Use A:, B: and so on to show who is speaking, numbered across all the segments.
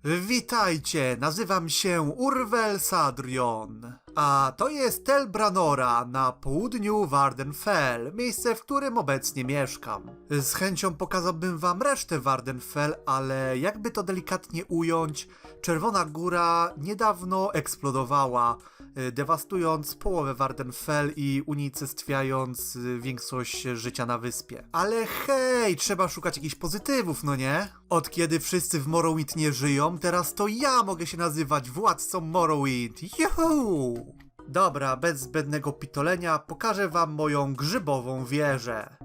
A: Witajcie, nazywam się Urwel Sadrion, a to jest Tel Branora na południu Vvardenfell, miejsce, w którym obecnie mieszkam. Z chęcią pokazałbym wam resztę Vvardenfell, ale jakby to delikatnie ująć, Czerwona Góra niedawno eksplodowała, dewastując połowę Vvardenfell i unicestwiając większość życia na wyspie. Ale hej, trzeba szukać jakichś pozytywów, no nie? Od kiedy wszyscy w Morrowind nie żyją, teraz to ja mogę się nazywać władcą Morrowind. Juhu! Dobra, bez zbędnego pitolenia pokażę wam moją grzybową wieżę.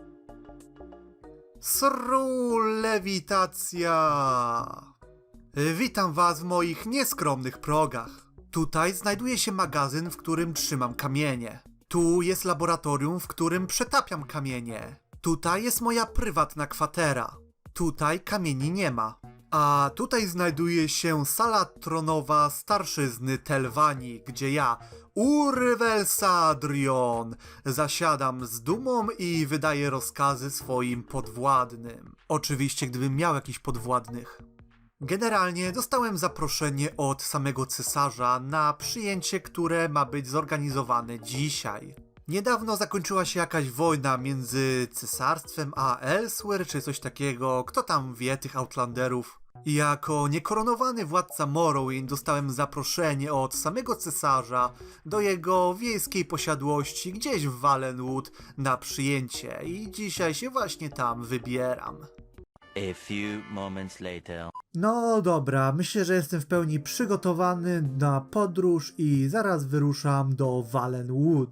A: Sru lewitacja! Witam was w moich nieskromnych progach. Tutaj znajduje się magazyn, w którym trzymam kamienie. Tu jest laboratorium, w którym przetapiam kamienie. Tutaj jest moja prywatna kwatera. Tutaj kamieni nie ma. A tutaj znajduje się sala tronowa starszyzny Telvanii, gdzie ja, Urwel Sadrion, zasiadam z dumą i wydaję rozkazy swoim podwładnym. Oczywiście, gdybym miał jakichś podwładnych. Generalnie dostałem zaproszenie od samego cesarza na przyjęcie, które ma być zorganizowane dzisiaj. Niedawno zakończyła się jakaś wojna między cesarstwem a Elsewhere, czy coś takiego, kto tam wie tych Outlanderów. I jako niekoronowany władca Morrowind dostałem zaproszenie od samego cesarza do jego wiejskiej posiadłości gdzieś w Valenwood na przyjęcie i dzisiaj się właśnie tam wybieram.
B: A few moments later.
A: No dobra, myślę, że jestem w pełni przygotowany na podróż i zaraz wyruszam do Valenwood.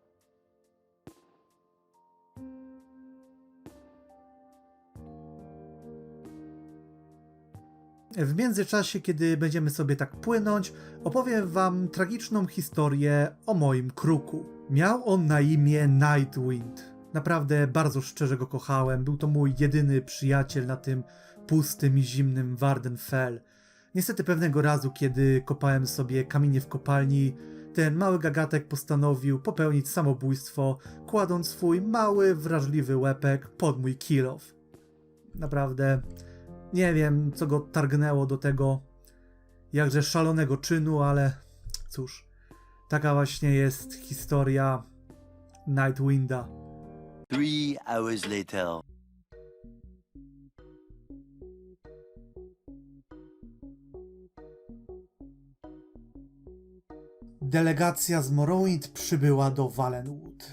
A: W międzyczasie, kiedy będziemy sobie tak płynąć, opowiem wam tragiczną historię o moim kruku. Miał on na imię Nightwind. Naprawdę bardzo szczerze go kochałem. Był to mój jedyny przyjaciel na tym pustym i zimnym Vvardenfell. Niestety pewnego razu, kiedy kopałem sobie kamienie w kopalni, ten mały gagatek postanowił popełnić samobójstwo, kładąc swój mały, wrażliwy łepek pod mój kill off. Naprawdę nie wiem, co go targnęło do tego jakże szalonego czynu, ale cóż, taka właśnie jest historia Nightwinda.
B: 3 hours later.
A: Delegacja z Morrowind przybyła do Valenwood.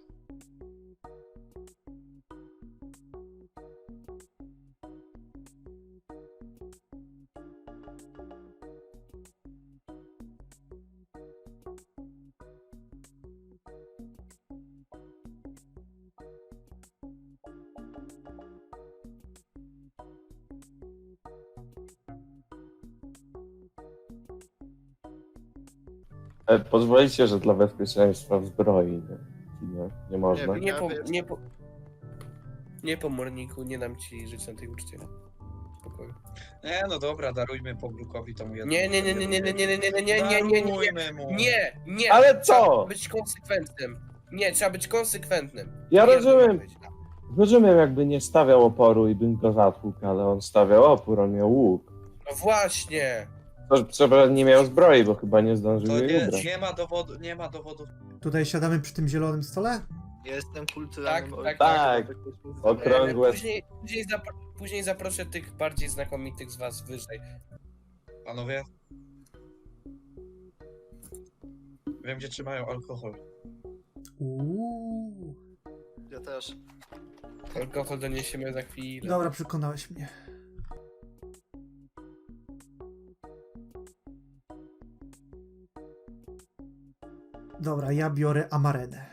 C: Pozwolicie, że dla bezpieczeństwa w zbroi, nie można.
D: Nie po morniku, nie dam ci żyć na tej uczcie. Spokojnie.
E: Nie, no dobra, darujmy Poglukowi tą jedną.
D: Nie!
C: Ale co?
D: Trzeba być konsekwentnym. Nie, trzeba być konsekwentnym.
C: Ja
D: Nie
C: rozumiem.
D: być.
C: Rozumiem, jakby nie stawiał oporu i bym go zatłukł, ale on stawiał opór, on miał łuk.
D: No właśnie!
C: To, co nie miał zbroi, bo chyba nie zdążył
E: To
C: jej ubrać.
E: nie ma dowodów.
A: Tutaj siadamy przy tym zielonym stole?
F: Ja jestem kulturalnym
C: Tak. Okrągłe.
D: Później zaproszę tych bardziej znakomitych z was wyżej.
E: Panowie? Wiem, gdzie trzymają alkohol.
F: Ja też.
D: Alkohol doniesiemy za chwilę.
A: Dobra, przekonałeś mnie. Dobra, ja biorę amarenę.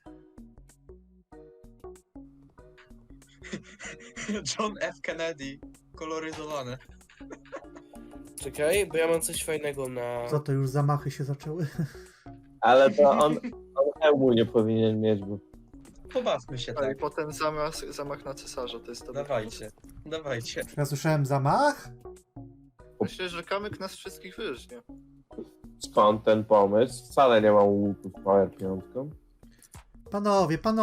E: John F. Kennedy. Koloryzowane.
D: Czekaj, bo ja mam coś fajnego na...
A: Co to, już zamachy się zaczęły?
C: Ale to on hełmu nie powinien mieć, bo
E: Pobawmy się
F: I
E: tak.
F: potem zamach na cesarza, to jest to.
E: Dawajcie.
A: Ja słyszałem zamach?
F: Myślę, że kamyk nas wszystkich wyżnie.
C: skąd ten pomysł? Wcale nie mam łuku z Power 5.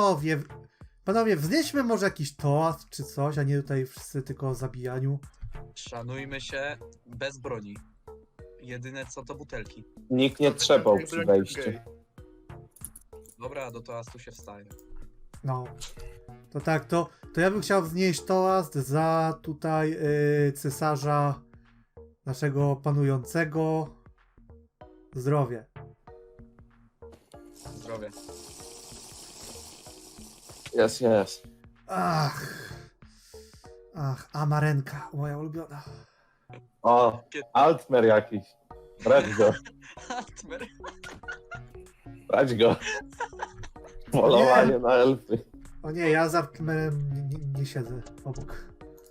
A: Panowie, wznieśmy może jakiś toast czy coś, a nie tutaj wszyscy tylko o zabijaniu.
E: Szanujmy się bez broni. Jedyne co to butelki.
C: Nikt nie trzepał przy wejściu.
E: Dobra, do toastu się wstaje.
A: No. To tak, to ja bym chciał wznieść toast za tutaj cesarza naszego panującego. Zdrowie.
E: Zdrowie.
C: Jest.
A: Ach, Amarenka, moja ulubiona.
C: O, Altmer jakiś. Brać go,
E: Altmer.
C: brać go. Polowanie na elfy.
A: O nie, ja za Kmerem nie siedzę obok.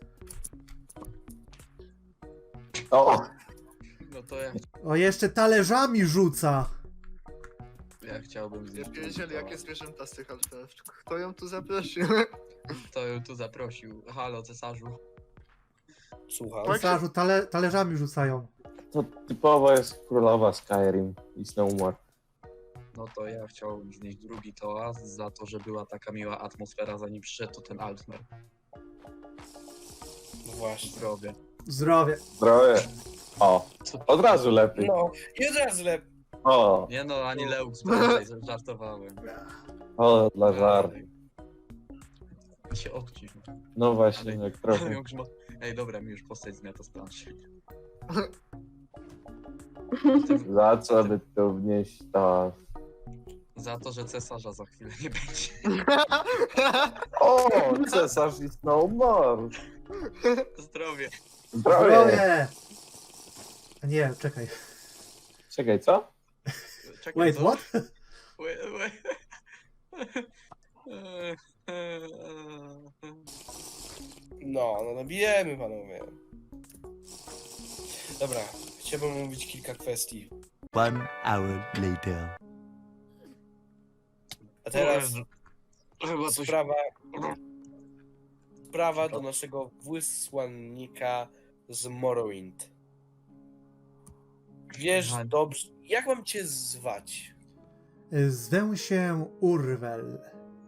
C: O,
E: No to
A: O, jeszcze talerzami rzuca.
E: ja chciałbym
F: Nie
E: zjeść.
F: wiedzieli, jakie zwierzęta z tych alfów. Kto ją tu zaprosił?
E: Kto ją tu zaprosił? Halo, cesarzu.
D: Słucham.
F: Tak.
A: Cesarzu, talerzami rzucają.
C: to typowo jest królowa Skyrim i Snowmore.
E: No to ja chciałbym znieść drugi toast za to, że była taka miła atmosfera zanim przyszedł to ten Altmer.
D: No właśnie.
E: Zdrowie.
A: Zdrowie.
C: Zdrowie. O, od razu lepiej.
D: No, i od razu lepiej.
C: O,
E: Nie no, ani Leux, tutaj żartowałem.
C: o, dla żartu.
E: I się odcisz.
C: No właśnie, jak trochę.
E: Ej, dobra, mi już postać zmiata z planszy.
C: Za co by tu wnieść to?
E: Za to, że cesarza za chwilę nie będzie.
C: O, cesarz i Snowmore.
E: Zdrowie.
C: Zdrowie.
A: Zdrowie. A nie, czekaj.
C: Czekaj, co?
E: Czekaj,
A: Wait,
E: co?
A: what?
E: Wait.
D: No, bijemy panowie. Dobra, chciałbym omówić kilka kwestii.
B: 1 hour later.
D: A teraz
E: Chyba coś...
D: sprawa do naszego wysłannika z Morrowind. Wiesz
E: Aha.
D: dobrze, jak mam cię zwać?
A: Zwę się Urwel.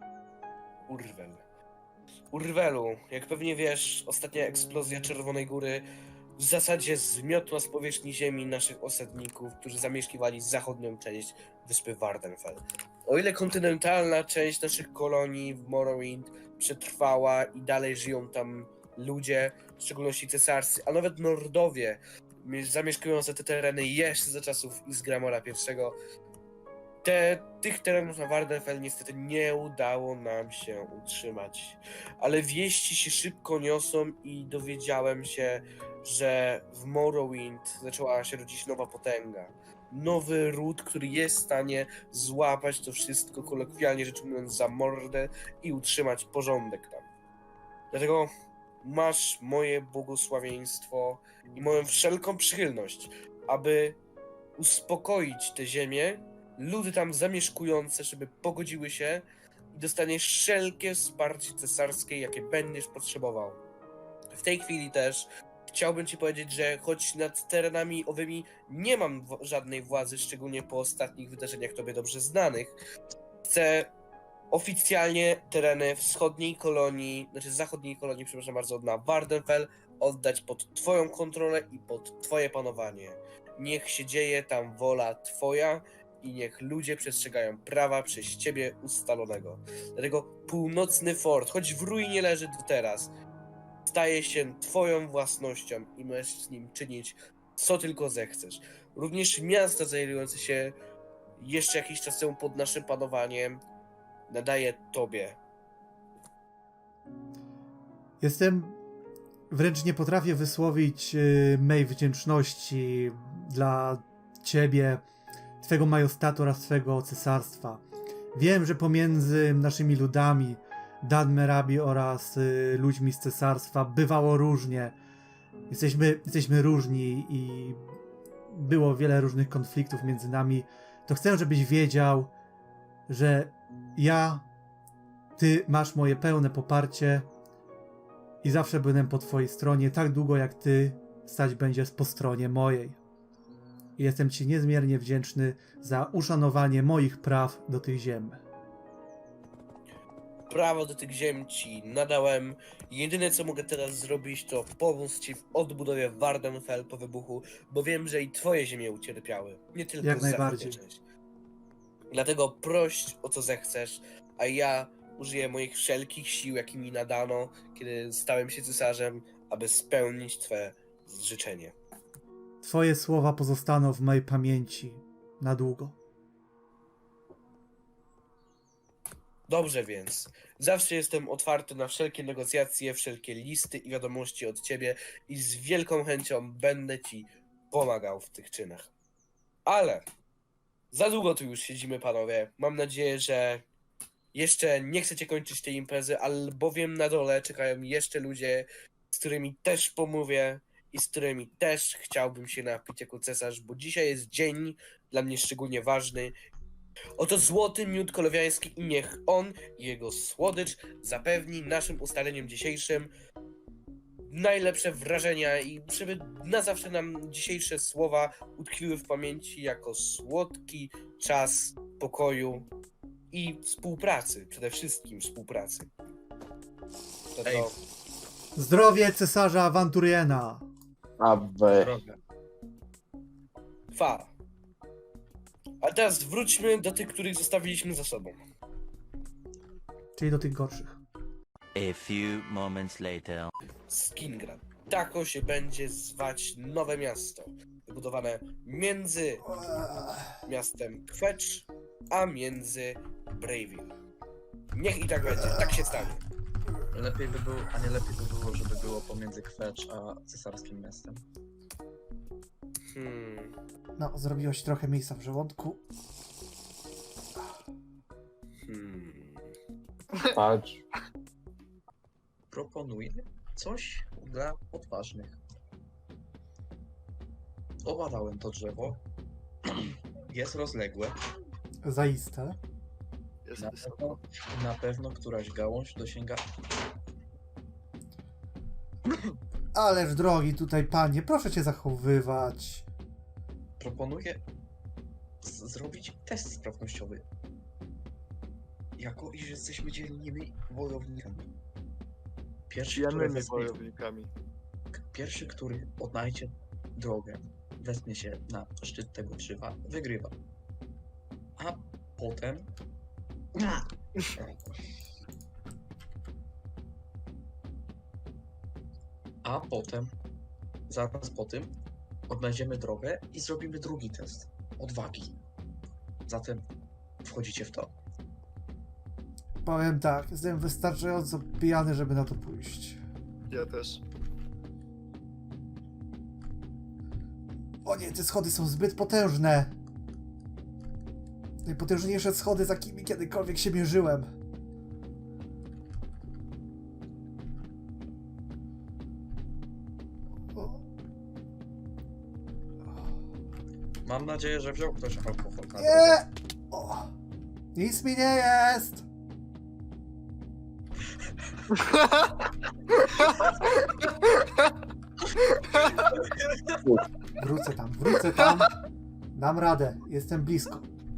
D: Urwelu, jak pewnie wiesz, ostatnia eksplozja Czerwonej Góry w zasadzie zmiotła z powierzchni ziemi naszych osadników, którzy zamieszkiwali zachodnią część wyspy Vvardenfell. O ile kontynentalna część naszych kolonii w Morrowind przetrwała i dalej żyją tam ludzie, w szczególności cesarscy, a nawet Nordowie zamieszkujące te tereny jeszcze za czasów Isgramora I, tych terenów na Vvardenfell niestety nie udało nam się utrzymać. Ale wieści się szybko niosą i dowiedziałem się, że w Morrowind zaczęła się rodzić nowa potęga. Nowy ród, który jest w stanie złapać to wszystko, kolokwialnie rzecz mówiąc, za mordę i utrzymać porządek tam. Dlatego masz moje błogosławieństwo i moją wszelką przychylność, aby uspokoić tę ziemię, ludy tam zamieszkujące, żeby pogodziły się i dostaniesz wszelkie wsparcie cesarskie, jakie będziesz potrzebował. W tej chwili też chciałbym ci powiedzieć, że choć nad terenami owymi nie mam żadnej władzy, szczególnie po ostatnich wydarzeniach tobie dobrze znanych, chcę oficjalnie tereny zachodniej kolonii, przepraszam bardzo, na Vvardenfell oddać pod twoją kontrolę i pod twoje panowanie. Niech się dzieje tam wola twoja i niech ludzie przestrzegają prawa przez ciebie ustalonego. Dlatego północny fort, choć w ruinie leży do teraz, staje się twoją własnością i możesz z nim czynić co tylko zechcesz. Również miasta znajdujące się jeszcze jakiś czas temu pod naszym panowaniem nadaje tobie.
A: Wręcz nie potrafię wysłowić mej wdzięczności dla ciebie, twego majestatu oraz twego cesarstwa. Wiem, że pomiędzy naszymi ludami, Dunmerabi oraz ludźmi z cesarstwa bywało różnie. Jesteśmy różni i było wiele różnych konfliktów między nami. To chcę, żebyś wiedział, że ty masz moje pełne poparcie i zawsze będę po twojej stronie, tak długo jak ty stać będziesz po stronie mojej. I jestem ci niezmiernie wdzięczny za uszanowanie moich praw do tych ziem.
D: prawo do tych ziem ci nadałem. Jedyne co mogę teraz zrobić, to pomóc ci w odbudowie Vvardenfell po wybuchu, bo wiem, że i twoje ziemie ucierpiały. Nie tylko
A: Jak
D: zachodnia
A: najbardziej.
D: część. Dlatego proś o co zechcesz, a ja użyję moich wszelkich sił, jakie mi nadano, kiedy stałem się cesarzem, aby spełnić twoje życzenie.
A: Twoje słowa pozostaną w mojej pamięci na długo.
D: Dobrze więc. Zawsze jestem otwarty na wszelkie negocjacje, wszelkie listy i wiadomości od ciebie i z wielką chęcią będę ci pomagał w tych czynach. Ale za długo tu już siedzimy, panowie. Mam nadzieję, że jeszcze nie chcecie kończyć tej imprezy, albowiem na dole czekają jeszcze ludzie, z którymi też pomówię i z którymi też chciałbym się napić jako cesarz, bo dzisiaj jest dzień dla mnie szczególnie ważny. Oto złoty miód kolowiański i niech on i jego słodycz zapewni naszym ustaleniem dzisiejszym najlepsze wrażenia i żeby na zawsze nam dzisiejsze słowa utkwiły w pamięci jako słodki czas pokoju i współpracy, przede wszystkim współpracy. To
E: Ej.
A: Zdrowie cesarza Awanturiena!
C: Aby.
E: Droga.
D: Fa. A teraz wróćmy do tych, których zostawiliśmy za sobą.
A: Czyli do tych gorszych.
B: A few moments later.
D: Skingrad. Tako się będzie zwać nowe miasto. Wybudowane między miastem Kwecz, a między Bravil. Niech i tak będzie, tak się stanie.
E: Lepiej by było, a nie lepiej by było, żeby było pomiędzy Kwecz a cesarskim miastem.
A: No, zrobiło się trochę miejsca w żołądku.
C: Patrz.
E: Proponuję coś dla odważnych. Obadałem to drzewo. Jest rozległe.
A: Zaiste.
F: Jest
E: Na
F: wysoko.
E: pewno, na pewno któraś gałąź dosięga.
A: Ależ drogi tutaj panie, proszę cię zachowywać.
E: Proponuję zrobić test sprawnościowy. Jako iż jesteśmy dzielnymi wojownikami. Pierwszy, pierwszy, który odnajdzie drogę, wezmie się na szczyt tego drzewa, wygrywa. A potem... A potem, zaraz po tym, odnajdziemy drogę i zrobimy drugi test odwagi. Zatem wchodzicie w to.
A: Powiem tak, jestem wystarczająco pijany, żeby na to pójść.
F: Ja też.
A: O nie, te schody są zbyt potężne. Najpotężniejsze schody, z jakimi kiedykolwiek się mierzyłem. O,
E: Mam nadzieję, że wziął ktoś alkohol na drogę.
A: nie! O, nic mi nie jest! Wrócę tam. Dam radę, jestem blisko.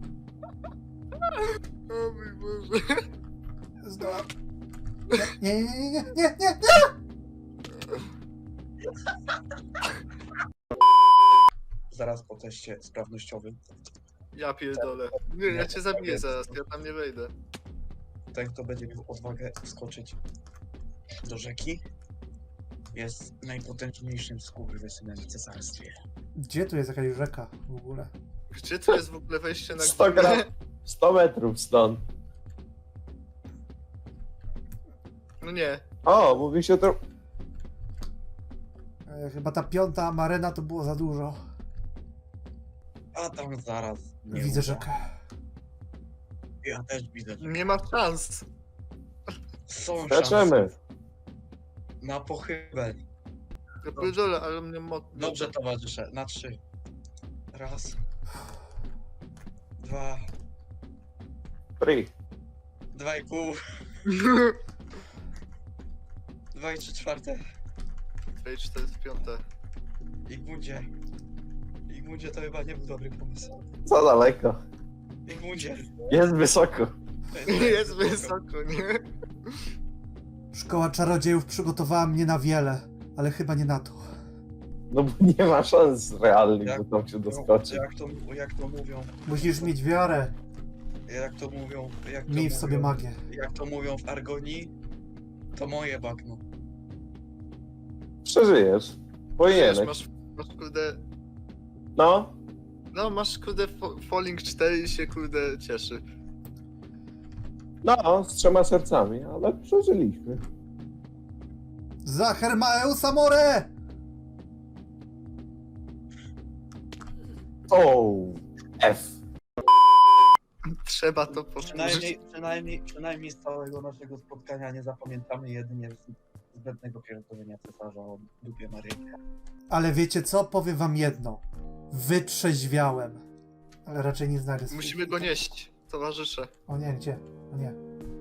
F: O mój Boże.
A: Zdołam. Nie!
E: Zaraz po teście sprawnościowym
F: Ja pierdolę. Nie, ja cię zabiję zaraz, ja tam nie wejdę.
E: ten, kto będzie miał odwagę skoczyć do rzeki, jest najpotężniejszym skurwysynem w cesarstwie.
A: Gdzie tu jest jakaś rzeka w ogóle?
F: Gdzie to jest w ogóle wejście na
C: 100 gram. 100 metrów stąd.
F: No nie.
C: O, mówi się to...
A: Chyba ta 5. amarena to było za dużo.
E: A tam zaraz nie
A: Widzę
E: uda.
A: rzekę.
E: Ja też widzę, że
F: Nie ma szans.
E: są
C: Skaczemy.
E: szanse na pochybę.
F: Ja pierdolę, ale mnie mocno.
E: Dobrze, towarzysze, na 3. Raz. 2.
C: Free.
E: 2,5. 2 i 3/4.
F: 4/5.
E: Igmundzie to chyba nie był dobry pomysł.
C: Za daleko.
E: Igmundzie,
C: Jest wysoko.
F: Jest wysoko, nie?
A: Szkoła czarodziejów przygotowała mnie na wiele, ale chyba nie na to.
C: No bo nie ma szans realnych,
E: Jak-
C: że tam się doskoczy.
E: Jak to mówią,
A: Musisz mieć wiarę.
E: jak to mówią,
A: Miej w sobie magię.
E: jak to mówią w Argonii, to moje bagno.
C: Przeżyjesz.
F: Wiesz,
C: Powinieneś.
F: masz kurde...
C: No,
F: No, masz kurde Falling 4 i się kurde cieszy.
C: no, z 3 sercami, ale przeżyliśmy.
A: Za Hermaeus Amore!
C: O, F.
F: Trzeba to powtórzyć.
E: Przynajmniej z całego naszego spotkania nie zapamiętamy jedynie zbędnego pierdolenia cesarza o dupie Maryi.
A: Ale wiecie co? Powiem wam jedno. Wytrzeźwiałem. Ale raczej nie znajdę swojej-
F: Musimy go nieść, towarzysze.
A: O nie, gdzie? O nie.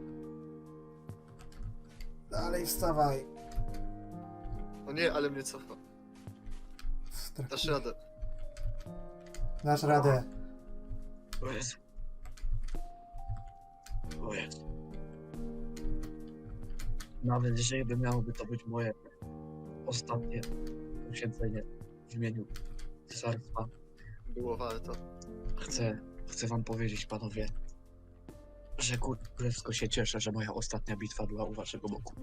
A: Dalej wstawaj.
F: O nie, ale mnie cofa. Dasz radę.
A: Dasz radę.
E: O Jezu. O Jezu. Nawet jeżeli miałoby to być moje ostatnie poświęcenie w imieniu cesarstwa,
F: Było warto.
E: chcę wam powiedzieć, panowie, że królewsko się cieszę, że moja ostatnia bitwa była u waszego boku.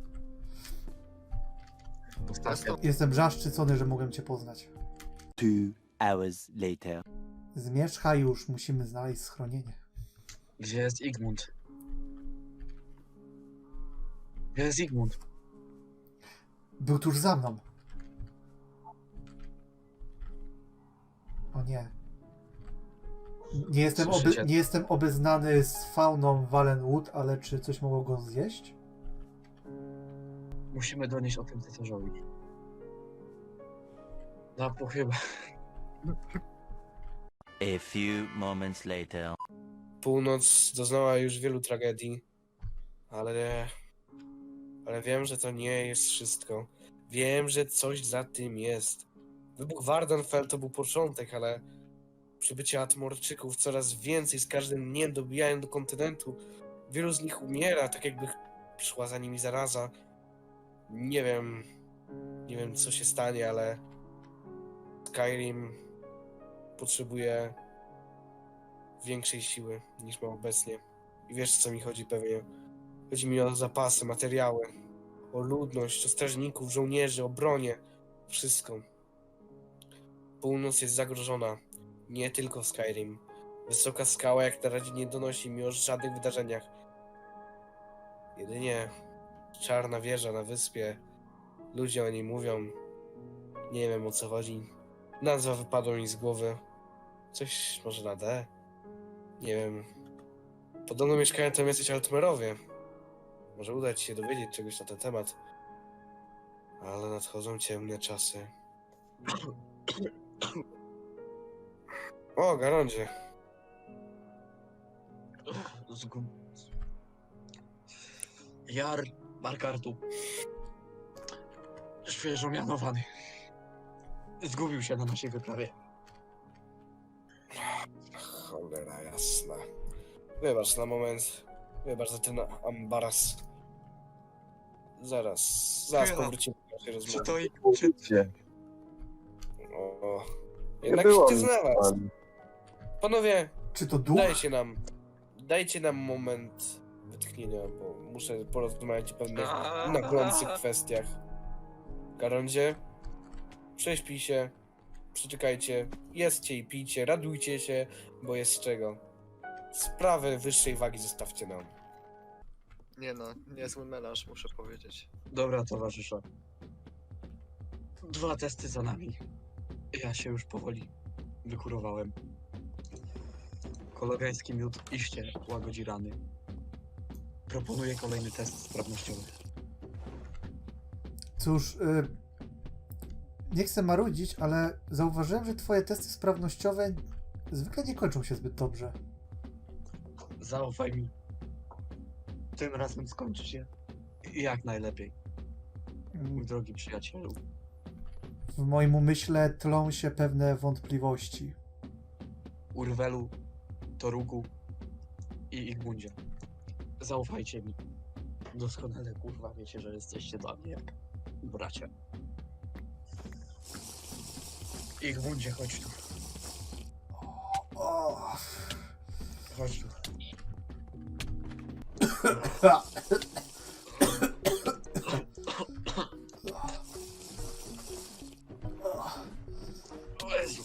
E: Ostatnia.
A: Jestem zaszczycony, że mogłem cię poznać.
B: 2 hours later.
A: Zmierzchaj już, musimy znaleźć schronienie.
E: Gdzie jest Igmund? Gdzie jest Igmund?
A: Był tuż za mną. O nie.
E: Słyszycie?
A: Nie jestem obeznany z fauną Valenwood, ale czy coś mogło go zjeść?
E: Musimy donieść o tym cesarzowi. Na pochybę.
B: A few moments later.
D: Północ doznała już wielu tragedii, ale wiem, że to nie jest wszystko. Wiem, że coś za tym jest. Wybuch Wardenfell to był początek, ale przybycie Atmorczyków coraz więcej z każdym dniem dobijają do kontynentu. Wielu z nich umiera, tak jakby przyszła za nimi zaraza. Nie wiem co się stanie, ale Skyrim potrzebuje większej siły niż ma obecnie. I wiesz, o co mi chodzi pewnie. Chodzi mi o zapasy, materiały, o ludność, o strażników, żołnierzy, o bronię. Wszystko. Północ jest zagrożona. Nie tylko Skyrim. Wysoka skała jak na razie nie donosi mi o żadnych wydarzeniach. Jedynie czarna wieża na wyspie. Ludzie o niej mówią. Nie wiem, o co chodzi. Nazwa wypadła mi z głowy. Coś może na D? Nie wiem. Podobno mieszkają tam jacyś Altmerowie. Może uda ci się dowiedzieć czegoś na ten temat. Ale nadchodzą ciemne czasy. O, Garondzie.
E: Jar Markartu. Świeżo mianowany. Zgubił się na naszej wyprawie.
D: Cholera jasna. Wybacz na moment. Wybacz za ten ambaras. Zaraz
E: Chwila.
D: powrócimy do naszej rozmowy.
E: Czy to i...
C: Gdzie?
D: O,
C: Nie
D: jednak
C: było
D: się
C: nic
D: znalazł.
C: tam.
D: Panowie,
A: Czy to duch?
D: dajcie nam moment wytchnienia, bo muszę porozmawiać o pewnych naglących kwestiach. Garondzie, prześpij się, przeczekajcie, jedzcie i pijcie, radujcie się, bo jest z czego. Sprawy wyższej wagi zostawcie nam.
F: Nie no, niezły melanż, muszę powiedzieć.
E: Dobra, towarzysze. 2 testy za nami. Ja się już powoli wykurowałem. Kologański miód iście łagodzi rany. Proponuję kolejny test sprawnościowy.
A: Cóż, nie chcę marudzić, ale zauważyłem, że twoje testy sprawnościowe zwykle nie kończą się zbyt dobrze.
E: Zaufaj mi. Tym razem skończy się jak najlepiej, mój drogi przyjacielu.
A: W moim umyśle tlą się pewne wątpliwości.
E: Urwelu, Torugu i Igmundzie. Zaufajcie mi. Doskonale kurwa wiecie, że jesteście dla mnie jak bracia. Ich bundzie, chodź tu.
A: O.
E: Chodź tu. O Jezu.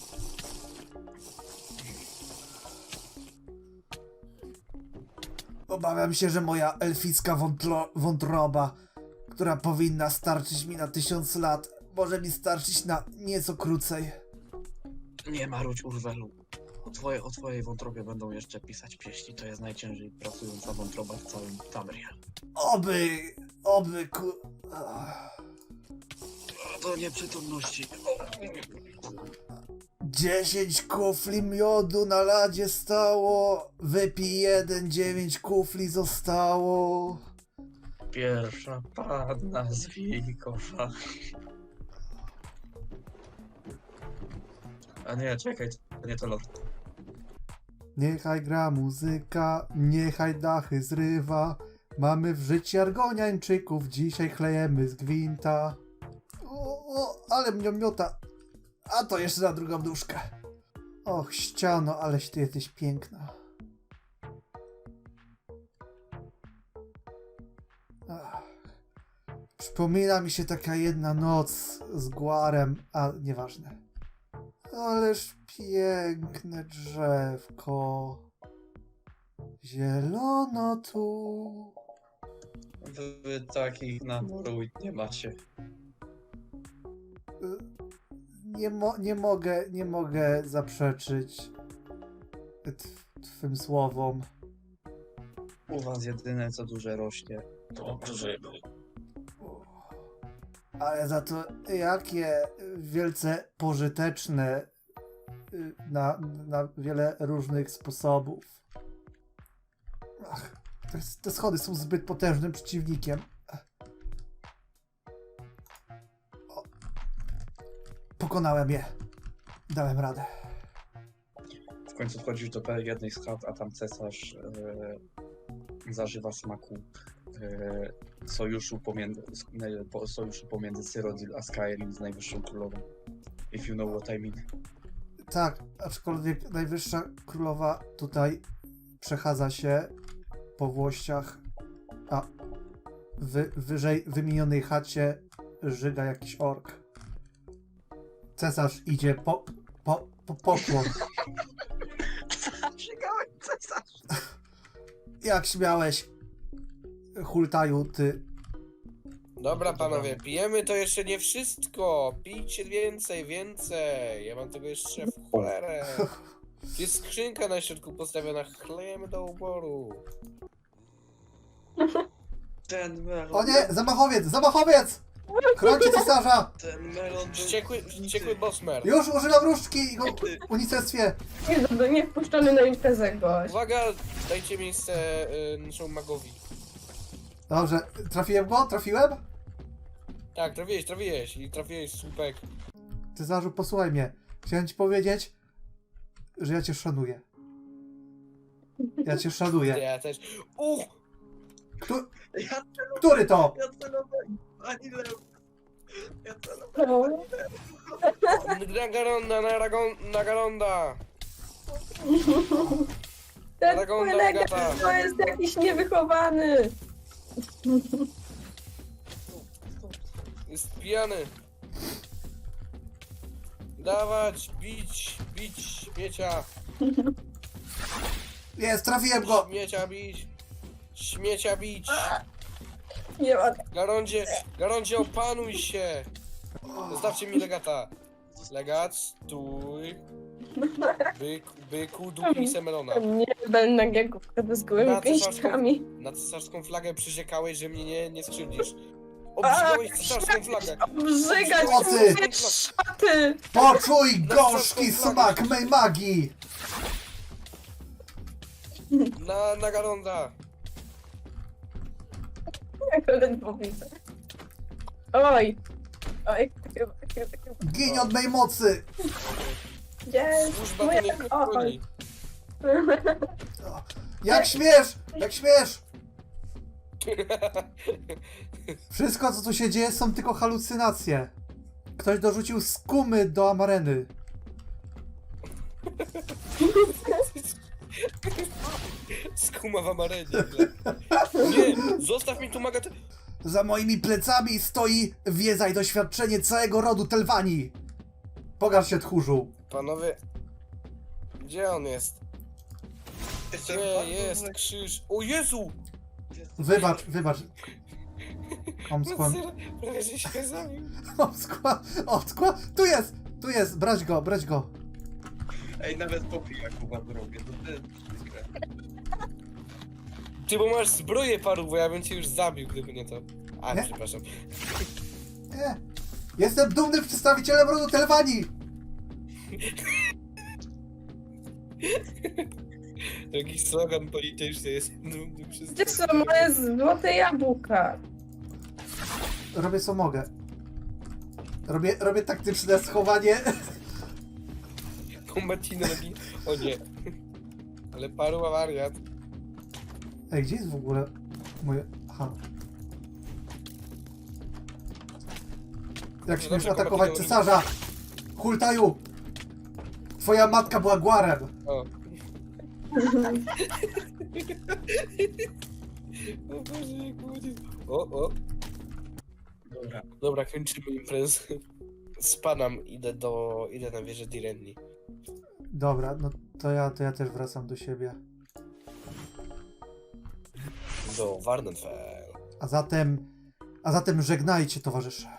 A: Obawiam się, że moja elficka wątroba, która powinna starczyć mi na 1000 lat, może mi starczyć na nieco krócej.
E: Nie marudź, Urwelu. O twojej wątrobie będą jeszcze pisać pieśni. To jest najciężej pracująca wątroba w całym Tamriel.
A: Oby
E: Do nieprzytomności.
A: 10 kufli miodu na ladzie stało, wypij 1, 9 kufli zostało.
E: Pierwsza panna z Wilkowa. A nie, czekaj, to nie to lot.
A: Niechaj gra muzyka, niechaj dachy zrywa. Mamy w życiu argoniańczyków, dzisiaj chlejemy z gwinta. Ale mnie miota. A to jeszcze na drugą nóżkę. Och, ściano, aleś ty jesteś piękna. Ach. Przypomina mi się taka jedna noc z Guarem, a nieważne. Ależ piękne drzewko. Zielono tu.
E: Wy takich na Morrowind nie macie.
A: Nie mogę zaprzeczyć twym słowom.
E: U was jedyne co duże rośnie to grzyby.
A: Ale za to jakie wielce pożyteczne na wiele różnych sposobów. Ach, te schody są zbyt potężnym przeciwnikiem. O, pokonałem je. Dałem radę.
E: W końcu wchodzisz do jednej z chat, a tam cesarz zażywa smaku sojuszu pomiędzy Cyrodiil a Skyrim z Najwyższą Królową. If you know what I mean.
A: Tak, aczkolwiek Najwyższa Królowa tutaj przechadza się po włościach, a wyżej wymienionej chacie żyga jakiś ork. Cesarz idzie po pokłon.
E: Żygałem cesarz!
A: Jak śmiałeś, hultaju, ty.
D: Dobra panowie, pijemy to jeszcze nie wszystko. Pijcie więcej. Ja mam tego jeszcze w cholerę. Tu jest skrzynka na środku postawiona, chlejemy do uboru.
E: Ten melon...
A: O nie, zamachowiec! Chroncie cesarza!
E: Ten melon... był-
D: Wściekły bossmer.
A: Już używam różdżki i go unicestwię.
G: Nie wpuszczony na imprezę gość.
D: Uwaga, dajcie miejsce naszemu magowi.
A: Dobrze, trafiłem go? Trafiłem?
D: Tak, trafiłeś i trafiłeś słupek.
A: Cesarzu, posłuchaj mnie. Chciałem ci powiedzieć, że ja cię szanuję. Ja cię szanuję.
D: Ja też.
E: Ja
A: Który to?
E: celowałem ani lew. Ja celowałem.
G: No.
D: Nagaronda.
G: Ten
D: Dragonda
G: kolega
D: Agata.
G: to jest jakiś niewychowany.
D: Jest pijany. Dawać, bić, śmiecia.
A: Jest, trafiłem go!
D: Śmiecia bić.
G: Nie ma.
D: Garondzie, opanuj się. Zostawcie mi legata. Legat, stój. Byku, dupnij se melona.
G: Nie będę nagiego wtedy z gołymi
D: Na
G: pięściami.
D: Na cesarską flagę przysiekałeś, że mnie nie skrzywdzisz. Obrzygałeś cesarską flagę.
G: Brzygać
A: O ty!
G: mówię, szaty!
A: Poczuj gorzki smak mej magii!
D: Na Garonda.
G: Jak ledwo widzę. Oj! Oj,
A: Giń od mej mocy!
G: jest!
D: Służba to nie
G: Oj!
D: chroni.
A: Jak śmiesz! Jak śmiesz! Wszystko, co tu się dzieje, są tylko halucynacje. Ktoś dorzucił skumy do amareny.
D: Skuma w amarenie. Nie, zostaw mi tu magatę.
A: Za moimi plecami stoi wiedza i doświadczenie całego rodu Telwani. Pokaż się, tchórzu.
D: Panowie, gdzie on jest?
F: Jestem
D: Gdzie
F: bardzo
D: jest
F: zły.
D: krzyż? O Jezu!
A: Wybacz.
D: No
A: Omskła.
D: serio, prawie że się zabił.
A: Omskła. Tu jest, brać go.
E: Ej, nawet po pijaku wam robię, to jest przykre.
D: Ty, bo masz zbroję paru, bo ja bym cię już zabił, gdyby nie to. A,
A: Nie?
D: przepraszam.
A: Nie. Jestem dumnym przedstawicielem rodu Telwani.
D: Jakiś slogan polityczny jest dumny przez...
G: Gdzie są moje złote jabłka?
A: Robię co mogę. Robię taktyczne schowanie.
D: Kombatino robi... O nie. Ale paru ma wariat.
A: Ej, gdzie jest w ogóle moje... Aha. Jak śmiesz atakować cesarza? Hultaju! Twoja matka była Gwarem.
D: O. O Boże, jak ładnie. O.
E: Dobra.
D: Dobra, kończymy imprezę. Spadam, idę na wieżę Direnni.
A: Dobra, no to ja też wracam do siebie.
D: Do Warnenfell.
A: A zatem żegnajcie, towarzysze.